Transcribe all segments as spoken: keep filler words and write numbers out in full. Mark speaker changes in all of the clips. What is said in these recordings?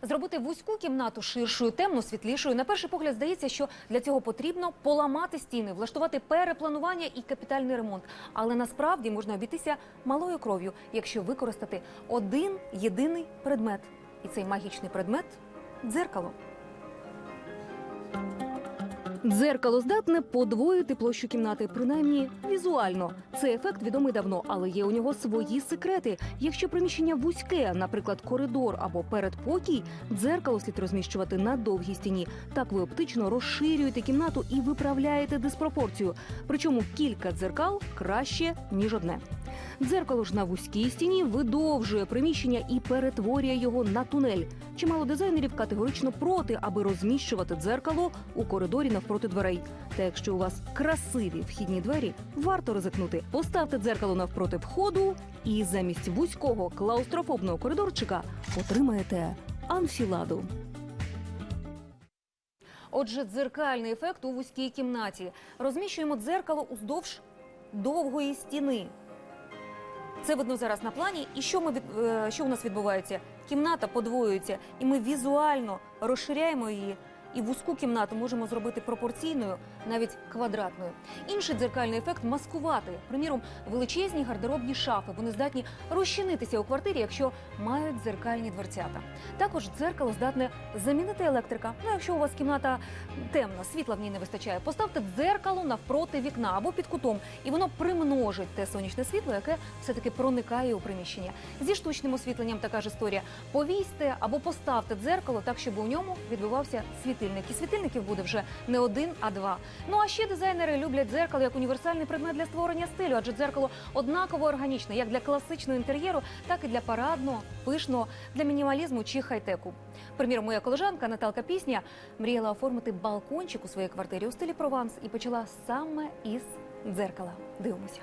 Speaker 1: Зробити вузьку кімнату ширшою, темну, світлішою. На перший погляд здається, що для цього потрібно поламати стіни, влаштувати перепланування і капітальний ремонт. Але насправді можна обійтися малою кров'ю, якщо використати один єдиний предмет. І цей магічний предмет – дзеркало. Дзеркало здатне подвоїти площу кімнати, принаймні візуально. Цей ефект відомий давно, але є у нього свої секрети. Якщо приміщення вузьке, наприклад, коридор або передпокій, дзеркало слід розміщувати на довгій стіні. Так ви оптично розширюєте кімнату і виправляєте диспропорцію. Причому кілька дзеркал краще, ніж одне. Дзеркало ж на вузькій стіні видовжує приміщення і перетворює його на тунель. Чимало дизайнерів категорично проти, аби розміщувати дзеркало у коридорі навпроти дверей. Та якщо у вас красиві вхідні двері, варто ризикнути. Поставте дзеркало навпроти входу і замість вузького клаустрофобного коридорчика отримаєте анфіладу. Отже, дзеркальний ефект у вузькій кімнаті. Розміщуємо дзеркало уздовж довгої стіни. Це видно зараз на плані. І що, ми, що у нас відбувається? Кімната подвоюється, і ми візуально розширяємо її. І вузьку кімнату можемо зробити пропорційною, навіть квадратною. Інший дзеркальний ефект – маскувати. Приміром, величезні гардеробні шафи. Вони здатні розчинитися у квартирі, якщо мають дзеркальні дверцята. Також дзеркало здатне замінити електрика. Ну, якщо у вас кімната темна, світла в ній не вистачає, поставте дзеркало навпроти вікна або під кутом. І воно примножить те сонячне світло, яке все-таки проникає у приміщення. Зі штучним освітленням така ж історія. Повісьте або поставте дзеркало так, щоб у ньому відбивався світильник. І світильників буде вже не один, а два. Ну а ще дизайнери люблять дзеркало як універсальний предмет для створення стилю, адже дзеркало однаково органічне, як для класичного інтер'єру, так і для парадного, пишного, для мінімалізму чи хай-теку. Приміром, моя колежанка Наталка Пісня мріяла оформити балкончик у своїй квартирі у стилі Прованс і почала саме із дзеркала. Дивимося.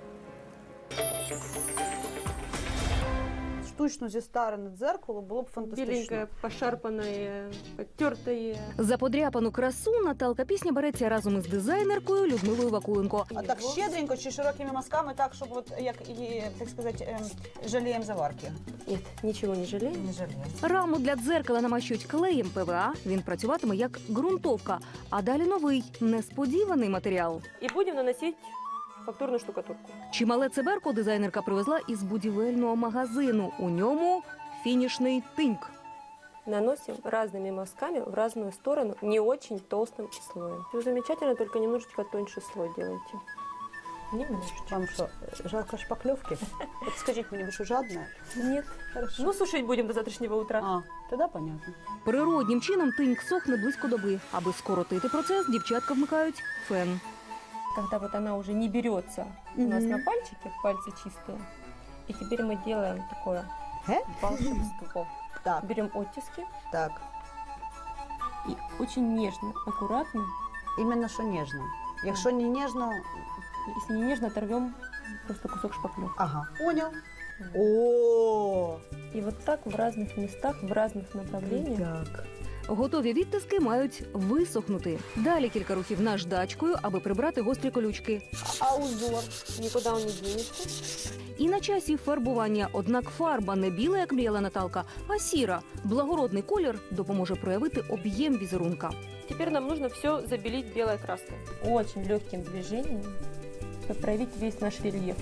Speaker 2: Штучно зістарене дзеркало було б фантастично.
Speaker 3: Біленьке, пошарпане, потертає.
Speaker 1: За подряпану красу Наталка Пісня береться разом із дизайнеркою Людмилою Вакуленко.
Speaker 2: А так щедренько чи широкими мазками, так, щоб от, як і, так сказати, жалієм заварки?
Speaker 3: Ні, нічого не жаліємо.
Speaker 2: Не жалієм.
Speaker 1: Раму для дзеркала намащують клеєм ПВА, він працюватиме як ґрунтовка. А далі новий, несподіваний матеріал.
Speaker 3: І будемо наносити фактурну штукатурку.
Speaker 1: Чимале цеберко дизайнерка привезла із будівельного магазину. У ньому фінішний тиньк.
Speaker 3: Наносим разными мазками в разную сторону, не очень толстым слоем. Все замечательно, только немножечко тоньше слой делайте. Немножечко.
Speaker 2: Вам що, жалко шпаклевки? От скажіть мені, ви що, жадна?
Speaker 3: Нет.
Speaker 2: Хорошо.
Speaker 3: Ну, сушить будем до завтрашнего утра.
Speaker 2: А, тоді понятно.
Speaker 1: Природнім чином тиньк сохне близько доби. Аби скоротити процес, дівчатка вмикають фен.
Speaker 3: Когда вот она уже не берется у нас на пальчики, пальцы чистые, и теперь мы делаем такое
Speaker 2: Ге?
Speaker 3: волшебство.
Speaker 2: Так,
Speaker 3: Берем оттиски
Speaker 2: так.
Speaker 3: и очень нежно, аккуратно,
Speaker 2: Іменно що ніжно. Якщо не ніжно,
Speaker 3: если не нежно, оторвем просто кусок шпаклевки.
Speaker 2: ага, понял. О,
Speaker 3: И вот так в разных местах, в разных направлениях.
Speaker 2: так.
Speaker 1: Готові відтиски мають висохнути. Далі кілька рухів наждачкою, аби прибрати гострі колючки.
Speaker 2: А узор?
Speaker 3: Никуда он не денется.
Speaker 1: І на часі фарбування. Однак фарба не біла, як мріяла Наталка, а сіра. Благородний колір допоможе проявити об'єм візерунка.
Speaker 3: Теперь нам нужно все забелить белой краской. Очень легким движением, чтобы проявить весь наш рельеф.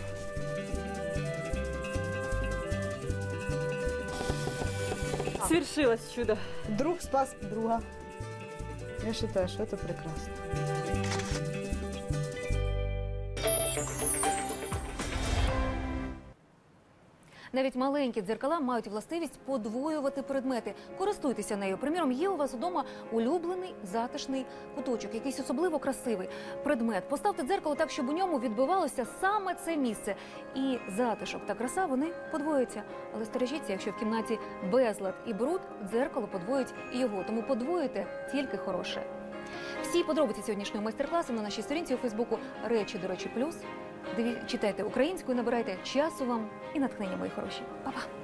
Speaker 3: Свершилось чудо.
Speaker 2: Друг спас друга. Я вважаю, що це прекрасно.
Speaker 1: Навіть маленькі дзеркала мають властивість подвоювати предмети. Користуйтеся нею. Приміром, є у вас вдома улюблений затишний куточок, якийсь особливо красивий предмет. Поставте дзеркало так, щоб у ньому відбивалося саме це місце. І затишок та краса, вони подвоюються. Але стережіться, якщо в кімнаті безлад і бруд, дзеркало подвоїть і його. Тому подвоюйте тільки хороше. Всі подробиці сьогоднішнього майстер-класу на нашій сторінці у Фейсбуку «Речі, до речі, плюс». Диві... Читайте українською, набирайте часу вам і натхнення, мої хороші. Па-па!